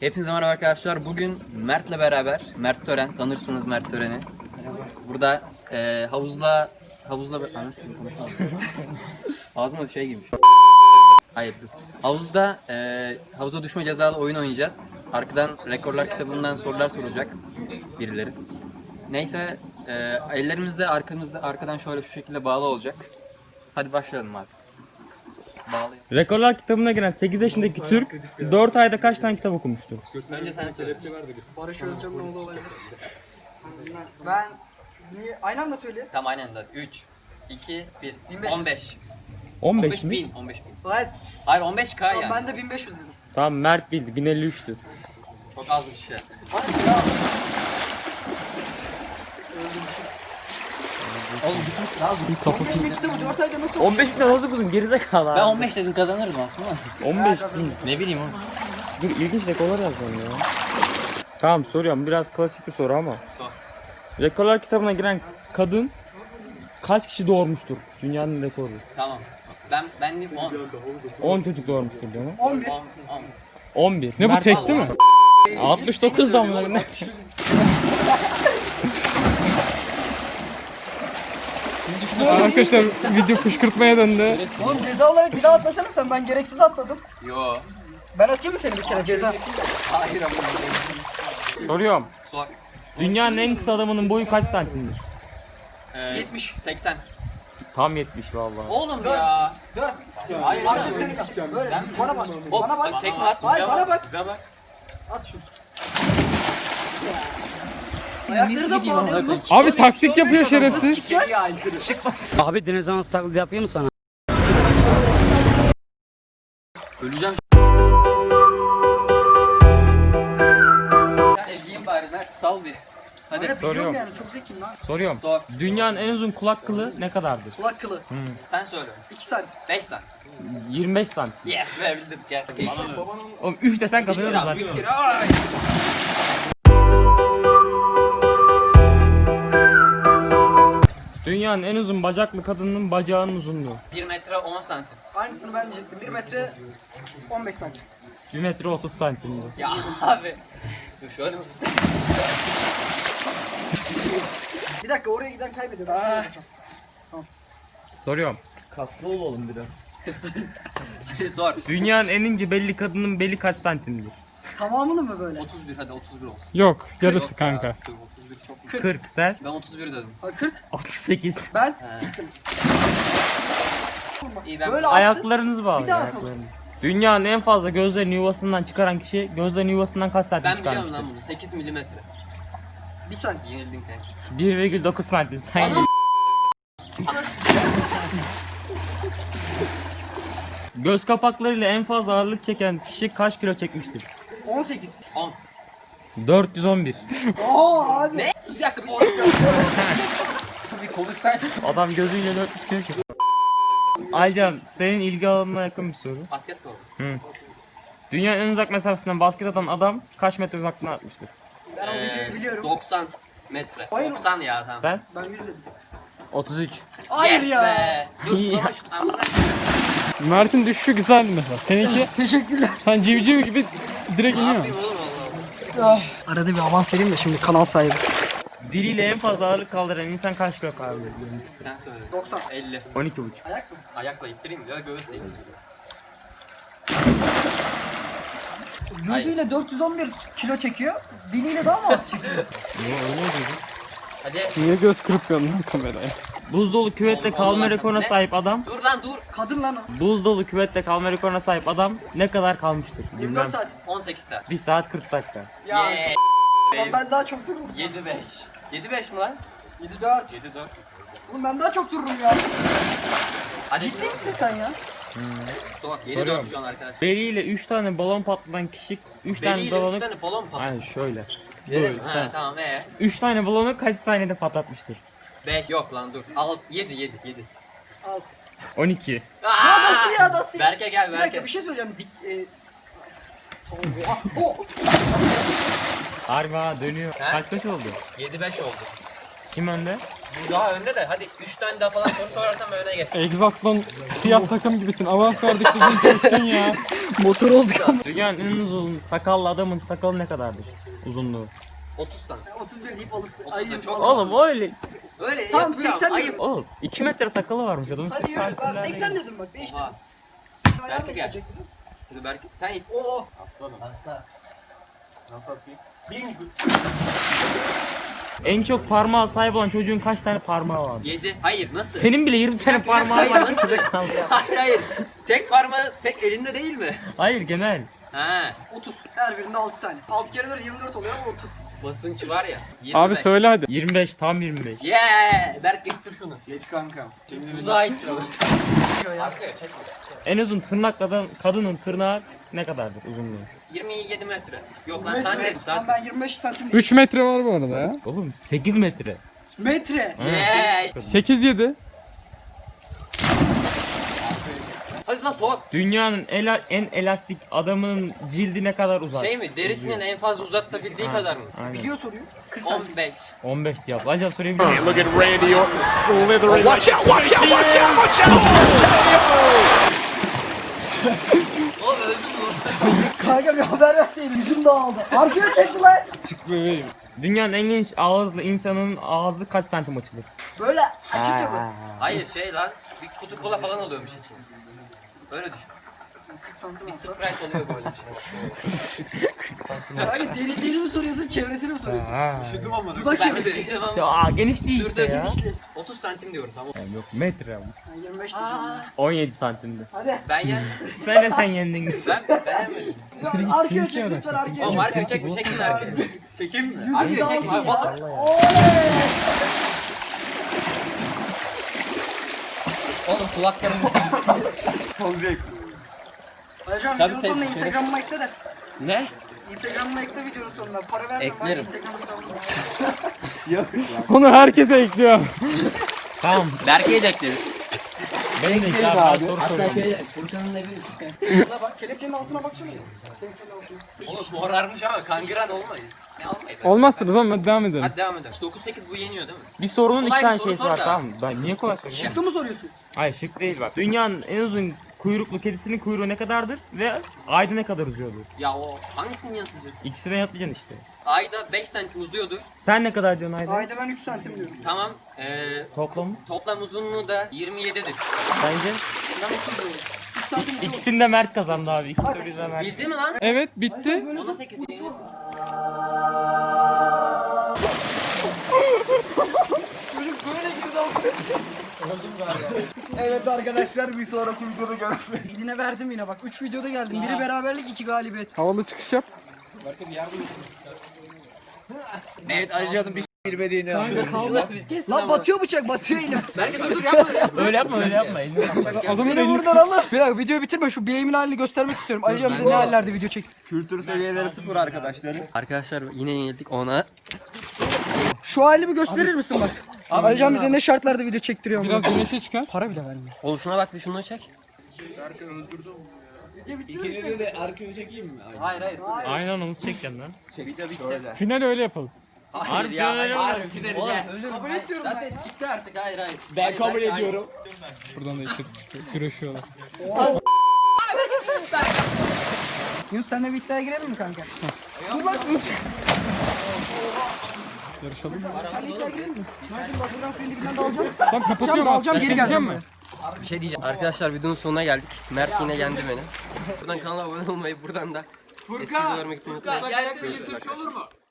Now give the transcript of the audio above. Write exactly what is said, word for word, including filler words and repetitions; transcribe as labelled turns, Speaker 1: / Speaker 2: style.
Speaker 1: Hepinize merhaba arkadaşlar. Bugün Mert'le beraber, Mert Tören, tanırsınız Mert Tören'i. Burada e, havuzla, havuzla, anasını gibi konuşalım. Ağzıma şey girmiş. Hayır dur. Havuzda, e, havuza düşme cezalı oyun oynayacağız. Arkadan rekorlar kitabından sorular soracak birileri. Neyse, e, ellerimiz de arkamızda, arkadan şöyle şu şekilde bağlı olacak. Hadi başlayalım abi. Bağlayın.
Speaker 2: Rekorlar kitabına giren sekiz yaşındaki Türk dört ayda kaç tane kitap okumuştur?
Speaker 1: Önce sen söyle.
Speaker 3: Barış Özcan'ın oğlu olabilir. Ben niye aynı anda söyle.
Speaker 1: Tamam aynen de. üç, iki, bir.
Speaker 3: bin beş yüz.
Speaker 1: on beş.
Speaker 2: on beş
Speaker 1: on beş
Speaker 2: mi?
Speaker 1: bin. on beş bin.
Speaker 3: Lan
Speaker 1: Hayır on beş K yani.
Speaker 3: ben de bin beş yüz dedim.
Speaker 2: Tamam, Mert bildi, bin elli üçtü.
Speaker 1: Çok az bir şey.
Speaker 3: Hadi ya.
Speaker 1: Oğlum gitmiş lazım.
Speaker 3: on beş bin kitabı dört ayda nasıl
Speaker 2: on beş bin nasıl okudun gerizekalı abi?
Speaker 1: Ben on beş dedim kazanırdım aslında.
Speaker 2: on beş bin.
Speaker 1: Ne bileyim oğlum.
Speaker 2: Dur, ilginç rekorlar yazacağım ya. Tamam, soruyorum, biraz klasik bir soru ama.
Speaker 1: Sor.
Speaker 2: Rekorlar kitabına giren kadın kaç kişi doğurmuştur? Dünyanın rekoru.
Speaker 1: Tamam. Ben ben de on.
Speaker 2: on çocuk doğurmuştur diyor mu?
Speaker 3: on bir.
Speaker 1: on. on.
Speaker 2: on bir.
Speaker 4: Ne bu,
Speaker 2: Mert
Speaker 4: tek
Speaker 2: vallahi.
Speaker 4: değil mi?
Speaker 2: altmış dokuz da mı? Ne?
Speaker 4: Arkadaşlar video fışkırtmaya döndü.
Speaker 3: Oğlum ceza olarak bir daha atlasana sen, ben gereksiz atladım.
Speaker 1: Yo.
Speaker 3: Ben atayım mı seni bir kere ceza?
Speaker 1: Hayır ama.
Speaker 2: Soruyorum.
Speaker 1: Sor.
Speaker 2: Dünyanın en kısa adamının boyu kaç santimdir?
Speaker 1: Ee,
Speaker 3: yetmiş.
Speaker 1: seksen.
Speaker 2: Tam yetmiş vallahi.
Speaker 1: Oğlum ya.
Speaker 3: Dön.
Speaker 1: Hayır
Speaker 3: Arka
Speaker 1: abi.
Speaker 3: seni kal. Böyle.
Speaker 1: Ben-
Speaker 3: Bana bak.
Speaker 1: Hop,
Speaker 3: Bana bak.
Speaker 1: bak, tekme at.
Speaker 3: Hayır
Speaker 1: Bir
Speaker 3: bana
Speaker 1: bak,
Speaker 3: bak.
Speaker 1: bir bak.
Speaker 3: At şunu. Ayakları da
Speaker 1: gideyim
Speaker 3: bağlı.
Speaker 1: ama?
Speaker 3: Nasıl
Speaker 4: Abi taktik yapıyor şerefsiz.
Speaker 3: çıkacağız?
Speaker 5: Abi dinozor taklidi yapayım mı sana?
Speaker 1: Öleceğim. Ya elgiyim bari Mert sal bir. Hadi.
Speaker 3: Biliyorum
Speaker 2: Soruyorum.
Speaker 3: yani, çok zekiyim lan.
Speaker 2: Soruyorum.
Speaker 1: Sor.
Speaker 2: Dünyanın en uzun kulak kılı ne kadardır?
Speaker 3: Kulak kılı.
Speaker 1: Sen söyle.
Speaker 3: iki santim.
Speaker 1: beş santim.
Speaker 2: yirmi beş santim.
Speaker 1: Yes be bildim gel.
Speaker 2: Oğlum üç desen kazanıyoruz
Speaker 1: Siktir
Speaker 2: zaten.
Speaker 1: abi, siktir. Ay.
Speaker 2: Dünyanın en uzun bacaklı kadının bacağının uzunluğu.
Speaker 1: bir metre on santim.
Speaker 3: Aynısını ben diyecektim. bir metre on beş santim.
Speaker 2: bir metre otuz santimdi.
Speaker 1: Ya abi. Dur şöyle mi?
Speaker 3: Bir dakika, oraya giden kaybediyor. Ben şöyle yapacağım.
Speaker 2: Soruyorum.
Speaker 1: Hadi sor.
Speaker 2: Dünyanın en ince belli kadının beli kaç santimdir?
Speaker 3: Tamamını mı böyle?
Speaker 1: otuz bir hadi otuz bir olsun.
Speaker 4: Yok, yarısı
Speaker 1: Yok ya,
Speaker 4: kanka.
Speaker 1: dur, otuz bir çok mu?
Speaker 2: kırk. Sen?
Speaker 1: Ben otuz bir dedim.
Speaker 3: Ha, kırk.
Speaker 2: otuz sekiz.
Speaker 3: Ben siktim.
Speaker 1: İyi ben
Speaker 3: Böyle attı.
Speaker 2: Ayaklarınızı bağlı.
Speaker 3: Bir daha
Speaker 2: Ayaklarınızı. Dünyanın en fazla gözlerini yuvasından çıkaran kişi gözlerini yuvasından kaç santim
Speaker 1: ben biliyorum
Speaker 2: çıkarmıştır?
Speaker 1: lan bunu. sekiz milimetre.
Speaker 3: Bir santim.
Speaker 1: Yenildin kanka.
Speaker 2: bir virgül dokuz santim. Sen
Speaker 1: Anam.
Speaker 2: Göz kapaklarıyla en fazla ağırlık çeken kişi kaç kilo çekmiştir?
Speaker 3: on sekiz.
Speaker 1: on.
Speaker 2: dört yüz on bir.
Speaker 3: Aa abi.
Speaker 1: Ne? Bir dakika bir oraya. Bir konuşsaydın.
Speaker 2: Adam gözüyle dört yüz kilo çekiyor. Aycan, senin ilgi alanına yakın bir soru.
Speaker 1: Basketbol.
Speaker 2: Dünyanın en uzak mesafesinden basket atan adam kaç metre uzaklığına atmıştır?
Speaker 3: Ben o videoyu
Speaker 1: Ee,
Speaker 3: biliyorum.
Speaker 1: doksan metre.
Speaker 3: Hayır.
Speaker 1: doksan ya tamam.
Speaker 2: Sen?
Speaker 3: Ben yüz dedim.
Speaker 2: otuz üç.
Speaker 3: Hayır
Speaker 1: Yes
Speaker 3: ya.
Speaker 1: be. Dur
Speaker 2: Ya.
Speaker 1: sulama şu amına.
Speaker 4: Mert'in düşüşü güzeldi mesela. Seninki
Speaker 3: Teşekkürler.
Speaker 4: sen civciv gibi direkt
Speaker 1: Ne
Speaker 4: iniyor.
Speaker 1: yapayım oğlum Allah'ım.
Speaker 3: Arada bir avans vereyim de şimdi kanal sahibi.
Speaker 2: Diliyle en fazla ağırlık kaldıran insan kaç kilo kaldırır?
Speaker 1: Sen söyle.
Speaker 3: doksan.
Speaker 1: elli.
Speaker 2: on iki buçuk.
Speaker 3: Ayak mı?
Speaker 1: Ayakla ittireyim ya da göğüsle.
Speaker 3: Gözüyle dört yüz on bir kilo çekiyor. Diliyle daha mı az çekiyor?
Speaker 1: Hadi.
Speaker 4: Niye göz kırpıyorsun lan kameraya?
Speaker 2: Buzdolu küvetle
Speaker 1: Allah
Speaker 2: kalma
Speaker 1: Allah.
Speaker 2: rekoruna
Speaker 1: Ne?
Speaker 2: sahip adam
Speaker 1: Dur lan dur.
Speaker 3: Kadın lan o.
Speaker 2: Buzdolu küvetle kalma rekoruna sahip adam ne kadar kalmıştır?
Speaker 3: yirmi dört saat.
Speaker 1: on sekiz saat.
Speaker 2: bir saat kırk dakika.
Speaker 3: Ya
Speaker 1: Yeah.
Speaker 3: lan ben daha çok dururum.
Speaker 1: yedi beş. yedi beş mi lan?
Speaker 3: yedi dört.
Speaker 1: yedi dört.
Speaker 3: Oğlum ben daha çok dururum ya.
Speaker 1: Hadi.
Speaker 3: Ciddi misin sen ya?
Speaker 1: Sor. yedi dört şu an arkadaşlar.
Speaker 2: Beliyle üç tane balon patlatan kişi üç tane
Speaker 1: Beliyle üç
Speaker 2: balonu
Speaker 1: tane balon patladı.
Speaker 2: Aynen şöyle.
Speaker 1: Yere- Ha
Speaker 2: tamam.
Speaker 1: tamam ee.
Speaker 2: üç tane balonu kaç saniyede patlatmıştır?
Speaker 1: beş yok lan dur. altı yedi yedi yedi.
Speaker 3: altı.
Speaker 2: on iki.
Speaker 3: Ya nasıl ya nasıl ya?
Speaker 1: Berke gel
Speaker 3: Bir dakika
Speaker 1: Berke.
Speaker 3: bir şey söyleyeceğim. Dik... E... Oha, oh.
Speaker 2: Harbi ha, dönüyor.
Speaker 1: He?
Speaker 2: Kaç kaç oldu?
Speaker 1: yedi beş oldu.
Speaker 2: Kim önde?
Speaker 1: Bu daha önde de hadi üç tane daha falan soru sorarsam öne geç.
Speaker 4: Exatlon siyah takım gibisin. Avans verdikçe bunu kestin ya.
Speaker 2: Motor olduk. Dünyanın en uzun sakallı adamın sakalı ne kadardır? Uzunluğu.
Speaker 1: otuz santim.
Speaker 3: otuz bir deyip alıp
Speaker 1: otuz da
Speaker 3: ayı.
Speaker 1: çok.
Speaker 2: Oğlum öyle.
Speaker 1: Öyle
Speaker 3: Tamam,
Speaker 1: yapıyorum.
Speaker 3: seksen
Speaker 1: Ayıp.
Speaker 3: diyorum.
Speaker 2: Oğlum iki metre sakalı varmış adamın.
Speaker 3: Hadi
Speaker 2: Siz
Speaker 3: yürü. Ben
Speaker 2: santimlerde-
Speaker 3: seksen dedim bak değiştirdim.
Speaker 1: Aa, Berke gelsin. Hadi Berke sen git.
Speaker 3: Oo.
Speaker 2: En çok parmağa sahip olan çocuğun kaç tane parmağı var?
Speaker 1: yedi. Hayır nasıl?
Speaker 2: Senin bile yirmi tane
Speaker 1: Bir dakika, bir
Speaker 2: parmağı
Speaker 1: dakika,
Speaker 2: var.
Speaker 1: hayır,
Speaker 2: Size
Speaker 1: nasıl?
Speaker 2: kaldı.
Speaker 1: Hayır hayır. Tek parmağı tek elinde değil mi?
Speaker 2: Hayır genel.
Speaker 1: Ha.
Speaker 3: otuz. Her birinde altı tane. altı kere dört yirmi dört oluyor ama otuz.
Speaker 1: Basınç var ya. yirmi beş.
Speaker 4: Abi söyle hadi.
Speaker 2: yirmi beş tam yirmi beş.
Speaker 1: Yeah! Berk getir şunu.
Speaker 3: Geç kankam.
Speaker 1: Uzağa ittir onu. Arkaya çek.
Speaker 2: En uzun tırnaklı kadının tırnağı ne kadardır uzunluğu?
Speaker 1: yirmi yedi metre. Yok lan santim
Speaker 3: Tamam
Speaker 1: santim.
Speaker 3: ben yirmi beş santim diyeyim.
Speaker 4: üç metre var bu arada ya.
Speaker 2: Oğlum sekiz metre.
Speaker 3: Metre.
Speaker 1: Yeah!
Speaker 4: sekiz yedi.
Speaker 1: Hadi lan soğuk.
Speaker 2: Dünyanın ela- en elastik adamının cildi ne kadar uzar?
Speaker 1: Şey mi? Derisinin en fazla uzatabildiği kadar mı?
Speaker 2: Aynen.
Speaker 3: Biliyor soruyu. kırk santim.
Speaker 1: on beş.
Speaker 2: on beş yap. Acaba soruyu biliyor musun?
Speaker 6: Look at Randy Orton slithering. Watch out, watch out, watch out, watch out!
Speaker 1: Oğlum öldü mü?
Speaker 3: Kanka bir haber verseydin yüzüm dağıldı. Arkaya çekti lan.
Speaker 2: Dünyanın en geniş ağızlı insanın ağzı kaç santim açılır?
Speaker 3: Böyle açınca mı?
Speaker 1: Hayır şey lan. Bir kutu kola falan oluyormuş içinde. Öyle düşün.
Speaker 3: kırk santim
Speaker 1: Bir
Speaker 3: olsa.
Speaker 1: Sprite oluyor böyle içinde.
Speaker 3: Kanka deri deri mi soruyorsun çevresini mi soruyorsun?
Speaker 2: Ha.
Speaker 3: Dudak
Speaker 1: Ben
Speaker 3: çevresi.
Speaker 1: de diyeceğim
Speaker 2: İşte
Speaker 1: ama.
Speaker 2: aa, geniş değil
Speaker 1: Dur
Speaker 2: işte
Speaker 1: dur
Speaker 2: ya.
Speaker 1: otuz santim diyorum tamam.
Speaker 2: Yani yok metre ama.
Speaker 3: Ha, yirmi beş diyeceğim.
Speaker 2: on yedi santimdi.
Speaker 3: Hadi.
Speaker 1: Ben ya.
Speaker 2: Ben de sen yendin.
Speaker 1: Ben beğenmedim.
Speaker 3: Arkaya çek lütfen arkaya
Speaker 1: Oğlum
Speaker 3: çek.
Speaker 1: arkaya çekme çekin arkaya. Çekeyim mi? Arkaya çekme.
Speaker 3: dağılsın
Speaker 1: Vallahi. Oğlum kulaklarım.
Speaker 3: Hocam
Speaker 1: Tabii
Speaker 3: videonun
Speaker 1: sen-
Speaker 3: sonuna Instagram'ıma ekle de.
Speaker 1: Ne?
Speaker 3: Instagram'ıma ekle videonun sonuna. Para vermem ben
Speaker 1: Eklerim.
Speaker 3: Instagram hesabıma.
Speaker 4: Onu herkese ekliyor.
Speaker 2: Tamam.
Speaker 1: Berke'yi de ekleriz.
Speaker 2: Benim de işte abi. Soru
Speaker 1: Hatta
Speaker 2: soruyorum.
Speaker 1: şey Furkan'ın evi.
Speaker 3: Buna bak kelepçenin altına baksana. Kelepçenin altına.
Speaker 1: Oğlum morarmış ama kangren olmayız. Ne olmayız?
Speaker 4: Olmazsınız ama hadi devam edelim.
Speaker 1: Hadi devam edelim. dokuz sekiz bu yeniyor değil mi?
Speaker 2: Bir sorunun
Speaker 1: Kolay
Speaker 2: iki
Speaker 1: bir
Speaker 2: tane
Speaker 1: soru
Speaker 2: şeysi
Speaker 1: sor
Speaker 2: var
Speaker 1: da.
Speaker 2: tamam mı? Ben niye kolay soruyorum?
Speaker 3: Çıktı mı soruyorsun?
Speaker 2: Hayır şık değil bak. Dünyanın en uzun kuyruklu kedisinin kuyruğu ne kadardır ve ayda ne kadar uzuyordur?
Speaker 1: Ya o hangisini yanıtlayacak?
Speaker 2: İkisine yanıtlayacaksın işte.
Speaker 1: Ayda beş santim uzuyordur.
Speaker 2: Sen ne kadar diyorsun ayda?
Speaker 3: Ayda ben üç santim diyorum.
Speaker 1: Tamam. Ee,
Speaker 2: Toplam
Speaker 1: toplam uzunluğu da yirmi yedidir.
Speaker 2: bence.
Speaker 3: Ben otuz diyorum. üç santim diyorum.
Speaker 2: İkisini de Mert kazandı abi. İki soruyu da Mert.
Speaker 1: Bildi mi lan?
Speaker 4: Evet bitti.
Speaker 1: Ona sekiz değil.
Speaker 3: Çocuk böyle girdi ama.
Speaker 7: Evet arkadaşlar bir sonraki videoda görüşmek
Speaker 3: Eline verdim yine bak. üç videoda geldim. Biri beraberlik, iki galibiyet.
Speaker 4: Havalı çıkış yap.
Speaker 7: Evet Ali Can'ın bir şey bilmediğini
Speaker 3: Lan batıyor bıçak, batıyor elim.
Speaker 1: Berke dur dur yapma öyle yapma.
Speaker 2: Öyle yapma öyle yapma. Elini yapma.
Speaker 4: Adamın
Speaker 3: Beni
Speaker 4: elini
Speaker 3: buradan alın. Bir dakika videoyu bitirme. Şu bileğimin halini göstermek istiyorum. Ali Can bize ne hallerde video çek.
Speaker 7: Kültür seviyeleri sıfır arkadaşlar.
Speaker 1: Arkadaşlar yine yenildik ona.
Speaker 3: Şu halimi gösterir misin bak? Ali Can bize ne şartlarda video çektiriyor mu?
Speaker 4: biraz güneşe çıkar.
Speaker 3: Para bile vermiyor.
Speaker 1: Oğlum şuna bak bir şunu çek.
Speaker 7: İkinize de arkını çekeyim mi?
Speaker 1: Hayır hayır.
Speaker 2: Aynen onu çekeceksin lan.
Speaker 1: Video bitti.
Speaker 4: Final öyle yapalım.
Speaker 1: Hayır
Speaker 2: Harbi
Speaker 1: ya.
Speaker 2: öyle
Speaker 1: Hayır.
Speaker 2: mi?
Speaker 1: Hayır. Oğlum ölürüm. Kabul etmiyorum Zaten çıktı artık hayır hayır.
Speaker 7: Ben
Speaker 1: Hayır,
Speaker 7: kabul
Speaker 1: Berke, hayır.
Speaker 7: ediyorum.
Speaker 4: Buradan da iki güreşiyorlar.
Speaker 3: Yunus senle bir iddiaya girelim mi kanka? Dur lan Yunus.
Speaker 4: Yarışalım mı?
Speaker 3: Senle iddiaya girelim mi? Hadi bak buradan suyun dibinden de alacağım.
Speaker 4: Tamam kapatıyorum.
Speaker 3: Alacağım geri geleceğim
Speaker 4: mi?
Speaker 3: mi?
Speaker 1: Bir şey diyeceğim. Arkadaşlar videonun sonuna geldik. Mert yine yendi beni. Buradan kanala abone olmayı, buradan da eski videolarımı gitmeyi unutmayın. Görüşürüz arkadaşlar.